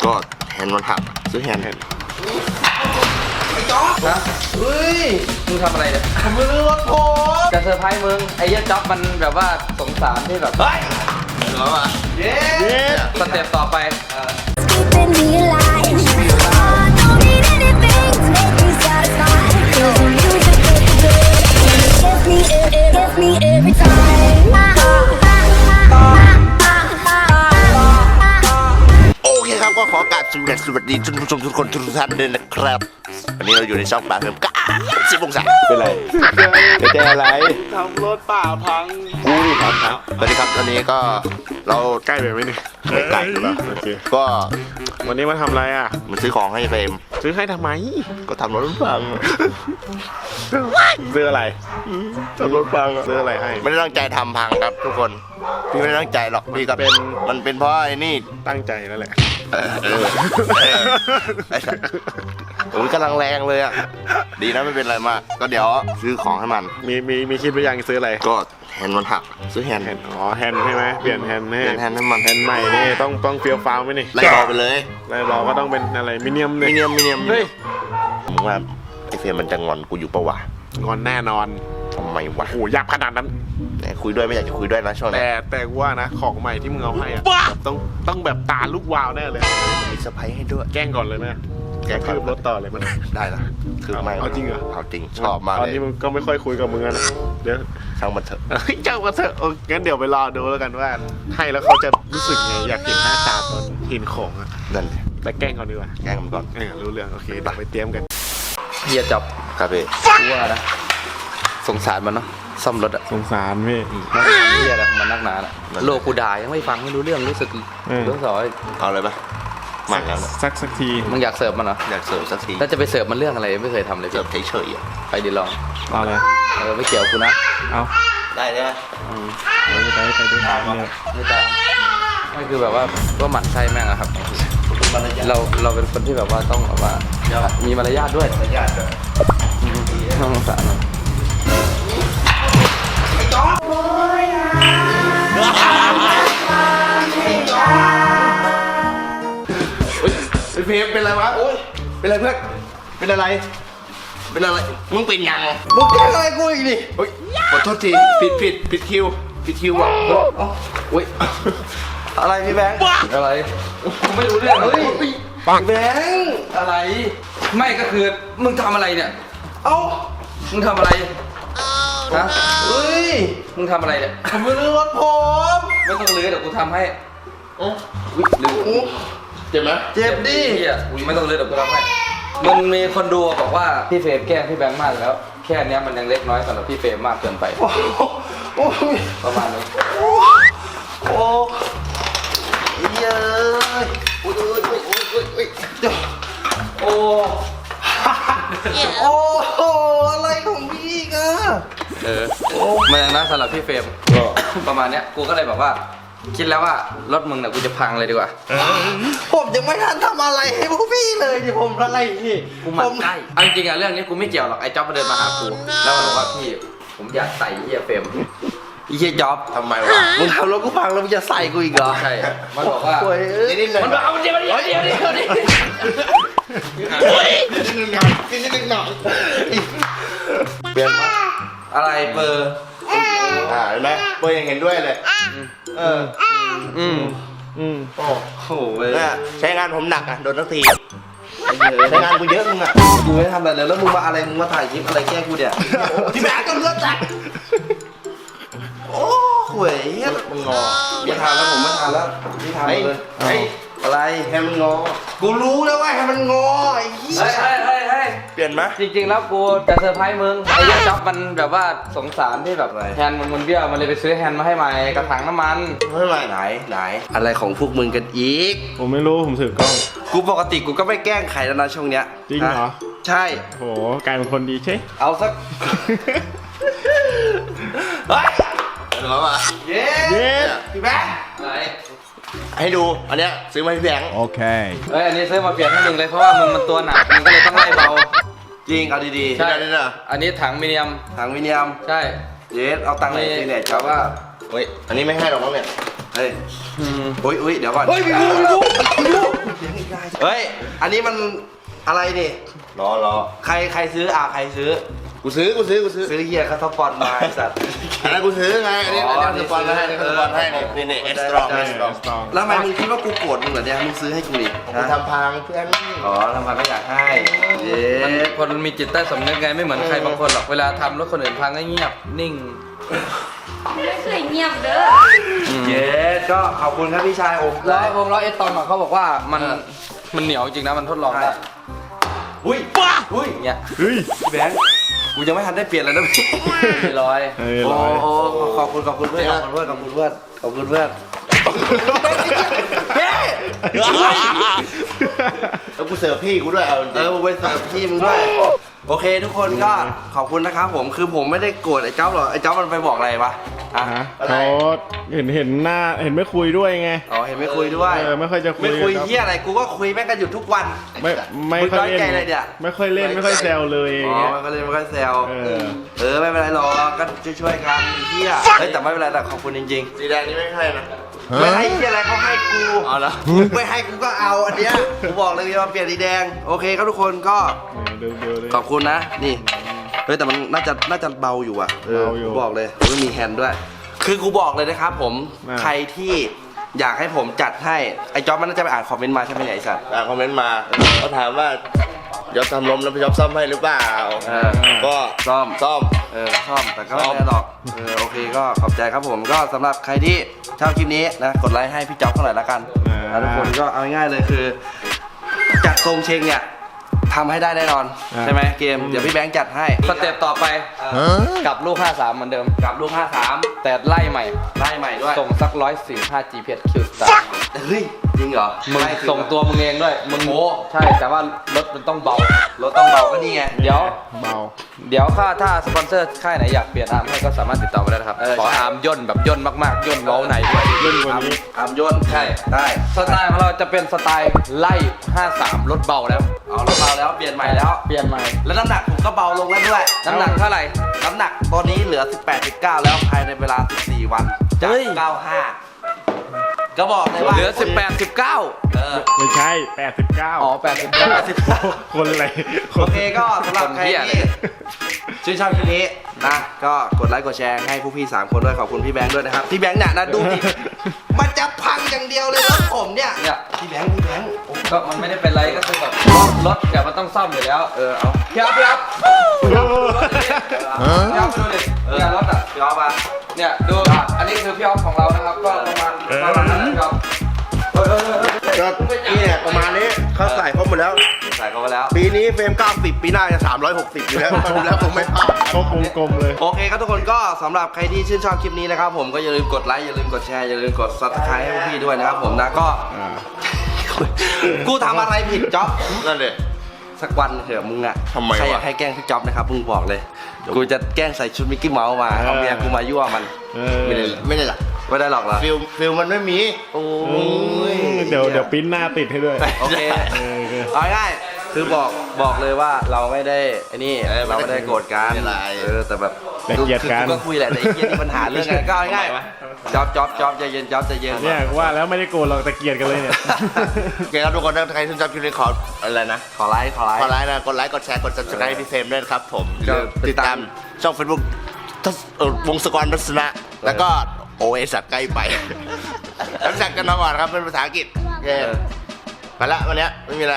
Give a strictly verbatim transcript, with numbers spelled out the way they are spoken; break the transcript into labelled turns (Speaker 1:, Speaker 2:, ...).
Speaker 1: ก็แฮนด์มันหักซื้อแฮนด์แฮนด์
Speaker 2: ไอ้จ๊อบนะเฮ้ยมึงทำอะไรเนี่ยผมไม่รู้รถผมจะเซอร์ไพรส์มึงไอ้เหี้ยจ๊อบมันแบบว่าสงสารที่แบบเฮ้ย
Speaker 1: เหรอวะ
Speaker 2: เย้สเต็ปต่อไป
Speaker 1: ก็ขอกราบสวัสดีท่านผู้ชมทุกคนทุกท่านด้วยนะครับวันนี้เราอยู่ในช่องปากเพิ่มก้าสิบองศาเป็นไรเป็นใจอะไร
Speaker 3: ทำรถป่าพัง
Speaker 1: กูนี่ครับสวัสดีครับตอนนี้ก็เรา
Speaker 3: ใกล้ไปไหมเนี่ย
Speaker 1: ไม่ไกลอยู่แล้วโอเคก็
Speaker 3: วันนี้มาทำอะไรอ่ะ
Speaker 1: มันซื้อของให้เฟรม
Speaker 3: ซื้อให้ทำไม
Speaker 1: ก็ทำรถพัง
Speaker 3: ซื้ออะไร
Speaker 1: ทำรถพัง
Speaker 3: ซื้ออะไรให้
Speaker 1: ไม่ได้ตั้งใจทำพังครับทุกคนพี่ไม่ได้ตั้งใจหรอกพี่ก็เป็นมันเป็นเพราะไอ้นี่
Speaker 3: ตั้งใจนั่นแหละ
Speaker 1: เออเออไอ้สัสโอ้ยกำลังแรงเลยอ่ะดีนะไม่เป็นไรมากก็เดี๋ยวซื้อของให้มัน
Speaker 3: มีมีมีคิดไปยังซื้ออะไร
Speaker 1: ก็แฮนด์มันหักซื้อแฮนด์
Speaker 3: แฮนด์อ๋อแฮนด์ใช่ไหมเปลี่ยนแฮนด์ให้
Speaker 1: เปลี่ยนแฮนด์ให้มัน
Speaker 3: แฮนด์ใหม่นี่ต้องต้องเฟี้ยวฟ้าวไหมนี่
Speaker 1: ไล่รอไปเลย
Speaker 3: ไล่รอก็ต้องเป็นอะไรมิเนียม
Speaker 1: มิเนียมมิเนียม
Speaker 3: เฮ้ย
Speaker 1: ผมว่าไอ้เฟรมมันจะงอนกูอยู่ปะวะ
Speaker 3: งอนแน่นอน
Speaker 1: ทำไมวะ
Speaker 3: โอ้ยับขนาดนั้น
Speaker 1: แต่คุยด้วยไม่อยากจะคุยด้วยนะช่วงนี้
Speaker 3: แต่แต่ว่านะของใหม่ที่มึงเอาให้อะต้องต้องแบบตาลูกวาวแน่เลย
Speaker 1: มีเซอร์ไพรส์ให้ด้วย
Speaker 3: แกล้งก่อนเลยไหมแกล้งคืบรถต่อเลยมัน
Speaker 1: ได้ละคือไม่
Speaker 3: เอาจริงเหรอ
Speaker 1: เอาจริงชอบมากเลย
Speaker 3: ตอนนี้มึงก็ไม่ค่อยคุยกับมึงนะเดี๋ยว
Speaker 1: ช่างมันเถอะ
Speaker 3: ช่างมันเถอะโอ้งั้นเดี๋ยวไปรอดูแล้วกันว่าให้แล้วเขาจะรู้สึกไงอยากเห็นหน้าตาตอนเห็นของอ่ะ
Speaker 1: นั่นเลย
Speaker 3: แต่แกล้งก่อนดีกว่า
Speaker 1: แกล้งมันก่อน
Speaker 3: เออรู้เรื่องโอเคเดี๋ยวไปเตรียมกัน
Speaker 2: เฮียจับ
Speaker 1: ครับพี่
Speaker 2: ว่านะสงสารมันเนาะซ่อมรถอะ
Speaker 3: สงสารพี่
Speaker 2: เฮียอะไรมันนักหนาอะโลกูด่ายังไม่ฟังไม่รู้เรื่องรู้สึกเรื่องสอย
Speaker 1: เอาเลยปะมันแล้ว
Speaker 3: สักสักที
Speaker 2: มึงอยากเสิร์ฟมันเหรอ
Speaker 1: อยากเสิร์ฟสักที
Speaker 2: ถ้าจะไปเสิร์ฟมันเรื่องอะไรไม่เคยทำเลย
Speaker 1: เสิร์ฟเฉยๆอ่ะ
Speaker 2: ไปดิลอง
Speaker 3: เอาเลย
Speaker 2: เออไม่เกี่ยวกูนะ
Speaker 3: เอา
Speaker 1: ได้เลย
Speaker 3: อืมไปไปไปด้วยเนี่ย
Speaker 2: ไม่ตามไม่คือแบบว่าก็หมั่นไส้แม่งอะครับเราเราเป็นคนที่แบบว่าต้องแบบว่ามีมารยาทด้วย
Speaker 1: มารยาทด้วย
Speaker 2: ต้องสาร
Speaker 1: ไอ้เพมเป็นอะไรวะโอ้ยเป็นอะไรเพื่อนเป็นอะไรเป็นอะไรมึงเป็นยังมึงแกล้งอะไรกูอีกดิโอ้ยขอโทษทีผิดผิดผิดคิวผิดคิวว่ะโอ้ยอะไรพี่แบงค์
Speaker 2: อะไรกูไม่รู้เรื่องเลย
Speaker 1: แบงค์
Speaker 2: อะไรไม่ก็คือมึงทำอะไรเนี่ย
Speaker 1: เอ้า
Speaker 2: มึงทำอะไรฮะ
Speaker 1: เฮ้ย
Speaker 2: มึงทำอะไรเนี่ย
Speaker 1: ผมไม่รื้อรถผม
Speaker 2: ไม่ต้องรื้อเดี๋ยวกูทำให้
Speaker 1: โอ้
Speaker 2: ยรื้อ
Speaker 1: เจ็บไหมเจ็บดิ
Speaker 2: ไม่ต้องรื้อเดี๋ยวกูทำให้มันมีคนดูบอกว่าพี่เฟรมแกล้งพี่แบงค์มากแล้วแค่นี้มันยังเล็กน้อยสำหรับพี่เฟรมมากเกินไปประมาณนี้
Speaker 1: โอ้เยอะโอ้ยโอ้ยโอ้ยโอ้ยโอ้ยโอ้โอ้โอ้อะไรของพี่กัน
Speaker 2: เออมันยังน่าสำหรับพี่เฟรมประมาณเนี้ยกูก็เลยแบบว่าคิดแล้วว่ารถมึงเนี่ยกูจะพังเลยดีกว่า
Speaker 1: ผมยังไม่ทันทำอะไรให้พวกพี่เลยดิผมอะไรพี่
Speaker 2: กูมันใกล้เอาจริงๆอะเรื่องนี้กูไม่เกี่ยวหรอกไอ้จ๊อบมาเดินมาหากูแล้วมันบอกว่าพี่ผมอยากใส่เฮียเฟรม
Speaker 1: เฮียจ๊อบทำไมวะมึงทำรถกูพังแล้วมึงจะใส่กูอีกเหรอ
Speaker 2: ใช่มันบอกว่า
Speaker 1: มันบอกเอาเดี๋ยวเดี๋ยวเดี๋ยวเดี๋ยวเดี๋ยวนิดนึงหน่อยนิดนึงหน่อยเปลี่ยนมา
Speaker 2: อะไรเบอร์
Speaker 1: อ่าเห็นไหมเบอร์ยังเห็นด้วยเลยเออ
Speaker 2: อืมอืม
Speaker 1: โอ้โหใช้งานผมหนักอ่ะโดนทักทีใช้งานกูเยอะมึงอ่ะ
Speaker 2: กูไม่ทำอะไรเลยแล้วมึงมาอะไรมึงมาถ่ายคลิปอะไรแกล้งกูเนี่ย
Speaker 1: ที่แบกก็เลือดจัดโอ้โหเฮ้ยมึงงอ
Speaker 2: ไม่ทานแล้วผมไม่ทานแล้วไม่ทานเลย
Speaker 1: ไอ้
Speaker 2: อะไร
Speaker 1: แฮมันงอกูรู้แล้วว่าแฮมันงอไอ้เหี้ย
Speaker 2: เฮ้ยเฮ้ยเฮ้ย
Speaker 1: เปลี่ยนไหม
Speaker 2: จริงๆแล้วกูจะเซอร์ไพรส์มึงไอ้ยักษ์จ๊อบมันแบบว่าสงสารที่แบบแฮนด์มันมันเบี้ยวมันเลยไปซื้อแฮนด์มาให้ใหม่กระถางน้ำมัน
Speaker 1: ให้ใหม่ไหนไหนอะไรของพวกมึงกันอีก
Speaker 3: ผมไม่รู้ผมถือกล้อง
Speaker 1: กูปกติกูก็ไม่แกล้งใครแล้วนะช่วงเนี้ย
Speaker 3: จริงเหรอ
Speaker 1: ใช่
Speaker 3: โหกลายเป็นคนดีใช่
Speaker 1: เอาสักเฮ้ยเหรอวะเย้เย้พี่แบงค์อะไรให้ดูอันเนี้ยซื้อมาให้พี่แบงค์
Speaker 3: โอเค
Speaker 2: เอ้ยอันนี้ซื้อมาเปลี่ยนให้มึงเลยเพราะว่ามึงมันตัวหนักมึงก็เลยต้องไล่เบา
Speaker 1: จริงเอาดีๆ
Speaker 2: ใช่อันนี้ถังมิเนียม
Speaker 1: ถังมิเนียม
Speaker 2: ใช่
Speaker 1: เย้เอาตังค์ไหนที่เนี่ยจ้าว่าเฮ้ยอันนี้ไม่ให้หรอกมั้งเนี่ยเฮ้ยอุ้ยอุ้ยเดี๋ยวก่อน
Speaker 2: เฮ้ยพี่ดูพี่ดูพี่ดู
Speaker 1: ได้เฮ้ยอันนี้มันอะไรนี่
Speaker 2: ล้อล้อ
Speaker 1: ใครใครซื้ออ่ะใครซื้อ
Speaker 3: กูซื้อกูซื้อกูซื้อ
Speaker 1: ซื้อเฮียเขาสปอนมาไอ้สัตว์
Speaker 3: อันนั้นกูซื้อไงอันนี้
Speaker 1: อ๋
Speaker 3: อั
Speaker 1: อ
Speaker 3: นนี้สปอนให้นี่สปอนให้นี่นี่เอสตรองเอสตรอง
Speaker 1: แล้วทำไมมึงคิดว่ากูโกรธมึงเหรอเนี่ยมึงซื้อให้กูดิ
Speaker 3: กูทำพังเพื่อน
Speaker 1: อ๋อทำไมไม่อยากให้เย้
Speaker 2: มันคนมีจิตใต้สำนึกไงไม่เหมือนใครบางคนหรอกเวลาทำรถคนอื่นพังก็เงียบนิ่ง
Speaker 4: ไม่เคยเงียบเด้อ
Speaker 1: เย้ก็ขอบคุณครับพี่ชายโอ้
Speaker 2: แล้ววงล้อเอสตอมเขาบอกว่ามันมันเหนียวจริงนะมันทดลองได้
Speaker 1: อุ้ยป้าอุ้ย
Speaker 2: อย่างเงี้ย
Speaker 3: เฮ้ย
Speaker 1: พี่แบงค์กูยังไม่ทันได้เปลี่ยนเลยนะพี่
Speaker 2: สี่ร้อย
Speaker 3: เฮ้ย
Speaker 1: โอ้
Speaker 3: ร้อย
Speaker 1: โหขอบคุณขอบคุณเพื่อนขอบคุณเพื่อนขอบคุณเพื่อนขอบคุณเพื่อนเฮ้
Speaker 3: แล้วกูเสิร์ฟพี่กูด้วยเอาจ
Speaker 1: เอ
Speaker 3: ริง
Speaker 1: อมึงไปเสิร์ฟพี่มึงด้วยโอเคทุกคนก็ขอบคุณนะครับผมคือผมไม่ได้โกรธไอ้เจ้าหรอกไอ้เจ้ามันไปบอกอะไรวะอ่ะ
Speaker 3: ฮะเขาเห็นเห็นหน้าเห็นไม่คุยด้วยไง
Speaker 1: อ๋อเห็นไม่คุยด้วย
Speaker 3: เออไม่ค่อยจะคุย
Speaker 1: ไม่คุย
Speaker 3: ครับ
Speaker 1: เฮียอะไรกูก็คุยแม่งกันอยู่ทุกวัน
Speaker 3: ไม่ไม่
Speaker 1: มึง
Speaker 3: ค่
Speaker 1: น้
Speaker 3: อ
Speaker 1: อย ย
Speaker 3: เล่น
Speaker 1: ใจอะไรเนี่ย
Speaker 3: ไม่ค่อยเล่นไม่ค่อยแซวเลยอ
Speaker 1: อ๋
Speaker 3: ย่าง
Speaker 1: อ
Speaker 3: เงี้ย
Speaker 1: มันก็เลยมันก็แซว
Speaker 3: เออ
Speaker 1: เออไม่เป็นไรหรอกก็ช่วยๆกันไอ้เฮียเฮ้ยแต่ไม่เป็นไรแต่ขอบคุณจริง
Speaker 3: สีแดงนี่ไม่ใช่นะ
Speaker 1: ๆไม่ให้เฮียอะไรเขาให้กู
Speaker 3: เอาละ
Speaker 1: ไม่ให้กูก็เอาอันเนี้ยกูบอกเลยว่าเปลี่ยนสีแดงโอเคครับทุกคนก็
Speaker 3: เดี๋ยวเดี๋ยวเลย
Speaker 1: ขอบคุณนะนี่เฮ้ยแต่มันน่าจะน่าจะเบาอยู่อ่ะเออ
Speaker 3: เบาอยู่
Speaker 1: กูบอกเลยไม่มีแฮนด์ด้วย คือกูบอกเลยนะครับผม
Speaker 3: อ่า
Speaker 1: ใครที่อยากให้ผมจัดให้ไอ้จ๊อบมันน่าจะไปอ่านคอมเมนต์มาใช่ไหมเนี่ยไอ้สัตว์
Speaker 3: อ่าคอมเมนต์มาเขาถามว่ายอบทำล้มแล้วพี่ยอบซ่อมให้หรือเปล่า
Speaker 1: เออ
Speaker 3: ก็
Speaker 1: ซ่อม
Speaker 3: ซ่อม
Speaker 1: เออชอบแต่ก็ไม่ได้หรอกเออโอเคก็ขอบใจครับผมก็สำหรับใครที่ชอบคลิปนี้นะกดไลค์ให้พี่จ๊อบเท่าไหร่ละกัน
Speaker 3: อ่า
Speaker 1: แล้วทุกคนก็เอาง่ายๆเลยคือ จัดทรงเชงเนี่ยทำให้ได้แน่นอน
Speaker 3: อ่า
Speaker 1: ใช่ไหมเกมเดี๋ยวพี่แบงค์จัดให้
Speaker 2: สเต็ปต่อไปกลับลูกห้าสามเหมือนเดิม
Speaker 1: กับลูกห้าสาม
Speaker 2: แต่ไล่ใหม่
Speaker 1: ไล่ใหม่ด้วย
Speaker 2: ส่งสักร้อยสี่ห้า จี พี เอส Q Star
Speaker 1: เฮ้ยจริงเหรอ
Speaker 2: มึง
Speaker 1: ไล่คือ
Speaker 2: ส่งตัวมึงเองด้วยมึง
Speaker 1: โอ้
Speaker 2: ใช่แต่ว่ารถมันต้องเบา
Speaker 1: รถต้องเบาก็นี่ไง
Speaker 2: เดี๋ยว
Speaker 3: เบา
Speaker 2: เดี๋ยวถ้าถ้าสปอนเซอร์ค่ายไหนอยากเปลี่ยนอาร์มให้ก็สามารถติดต่อมาได้นะครับ
Speaker 1: เออ
Speaker 2: ขอ
Speaker 1: ใช่
Speaker 2: อาร์มย่นแบบย่นมากๆย่นเว้าในด้วย
Speaker 3: เล่นกว่านี้
Speaker 1: อามย่น
Speaker 2: ใช่
Speaker 1: ได้
Speaker 2: สไตล์ของเราจะเป็นสไตล์ไล่ห้าสามรถเบาแล้ว
Speaker 1: เอารถเบาแล้วเปลี่ยนใหม่แล้ว
Speaker 2: เปลี่ยนใหม่
Speaker 1: แล้วน้ำหนักผมก็เบาลงแล้วด้วย
Speaker 2: น้ำหนักเท่าไหร่
Speaker 1: น้ำหนักตอนนี้เหลือ สิบแปด สิบเก้า แล้วภายในเวลา สิบสี่ วันจาก
Speaker 2: เฮ้ย
Speaker 1: เก้าสิบห้า ก็บอกเลยว่า
Speaker 2: เหลือสิบแปด สิบเก้า
Speaker 1: เออ
Speaker 3: ไม่ใช่แปดสิบเก้า
Speaker 2: อ๋อแปดสิบเก้า
Speaker 1: สิบเก้า
Speaker 3: คนอะไร
Speaker 1: โอเคก็สำหรับใคร
Speaker 2: คนเหี้ยเล
Speaker 1: ที่
Speaker 2: ย
Speaker 1: ชื่นชอบคลิปนี้นะก็กดไลค์กดแชร์ให้ผู้พี่สามคนด้วยขอบคุณพี่แบงค์ด้วยนะครับพี่แบงค์เนี่ยนะดูดิมันจะพังอย่างเดียวเลยรถผมเนี่ย
Speaker 2: เนี่ย
Speaker 1: พี่แบงค์พี่แบงค์โอ้
Speaker 2: ก็มันไม่ได้เป็นไรก็คือแบบรถรถเดี๋ยวมันต้องซ่อมอยู่แล้ว
Speaker 1: เออเอา
Speaker 2: พี่อ๊อฟพี่อ๊อฟพี่อ๊อฟพี่อ๊อฟไปดูดิเนี่ยรถอ่ะ
Speaker 1: พี่ออฟมา
Speaker 2: เนี่ยดูอันนี้คือพี่อ๊อฟของเรานะครับก็ประมาณประมาณนั้นนะครับเออเออเออ
Speaker 3: ก็นี่เนี่ยประมาณนี้เขาใส่ครบหมดแล้ว
Speaker 1: ใส่เข้าไปแล้ว
Speaker 3: ปีนี้เฟรมเก้าสิบปีหน้าจะสามร้อยหกสิบอยู่แล้วครบแล้วผมไม่พลาดครบวงกลมเลย
Speaker 1: โอเคครับทุกคนก็สำหรับใครที่ชื่นชอบคลิปนี้นะครับผมก็อย่าลืมกดไลค์อย่าลืมกดแชร์อย่าลืมกด ซับสไครบ์ ให้พวกพี่ด้วยนะครับผมนะก็
Speaker 3: อ่า
Speaker 1: กูทำอะไรผิดจ๊อบ
Speaker 3: นั่นเลย
Speaker 1: สักวันเถอะมึงอะ
Speaker 3: ทำไมวะ
Speaker 1: ใครอยากให้แกล้งพี่จ๊อบนะครับมึงบอกเลย กูจะแกล้งใส่ชุดมิกกี้เมาส์มาเอาเมียกูมายั่วมัน
Speaker 3: เออ
Speaker 1: ไม่ได้
Speaker 3: ไม่ได้หรอ
Speaker 1: ไม่ได้หรอกเหรอ
Speaker 3: ฟิลฟิลมันไม่มี
Speaker 1: โอ้
Speaker 3: โอ้ยเดี๋ยวเดี๋ยวปริ้นหน้าติดให้ด้วย
Speaker 1: โอเค
Speaker 3: เออโอเค
Speaker 1: เอาง่ายๆคือบอกบอกเลยว่าเราไม่ได้ไอ้นี่
Speaker 3: เออ
Speaker 1: เราไม่ได้โกรธกัน
Speaker 3: ไม่เป็นไร
Speaker 1: เออแต่แบบ
Speaker 3: แต่เกลียดกัน
Speaker 1: คือก็คุยแหละแต่ไอ้เกลียดมีปัญหาเรื่องกันก็เอาง่ายๆจ๊อบจ๊อบจ๊อบใจเย็นจ๊อบใจเย็น
Speaker 3: เนี่ยว่าแล้วไม่ได้โกรธหรอกแต่เกลียดกันเลยเนี่ย โอเคครับทุกคนถ้าใครชื่นชอบคลิปนี้ขออะไรนะ
Speaker 1: ขอไลค์ขอไลค์
Speaker 3: ขอไลค์นะกดไลค์กดแชร์กด subscribe ให้พี่เฟรมด้วยนะครับผมอย่าลืม
Speaker 1: ติ
Speaker 3: ติ
Speaker 1: ด
Speaker 3: ด
Speaker 1: ตา
Speaker 3: ตาม มช่อง Facebook ทัศเอ่อวงศกรทัศนะ แล้วก็โอเอสัตว์ใกล้ไปรู้จักกันมาก่อนครับเป็นภาษาอังกฤษโอเคไปละวันเนี้ยไม่มีอะไร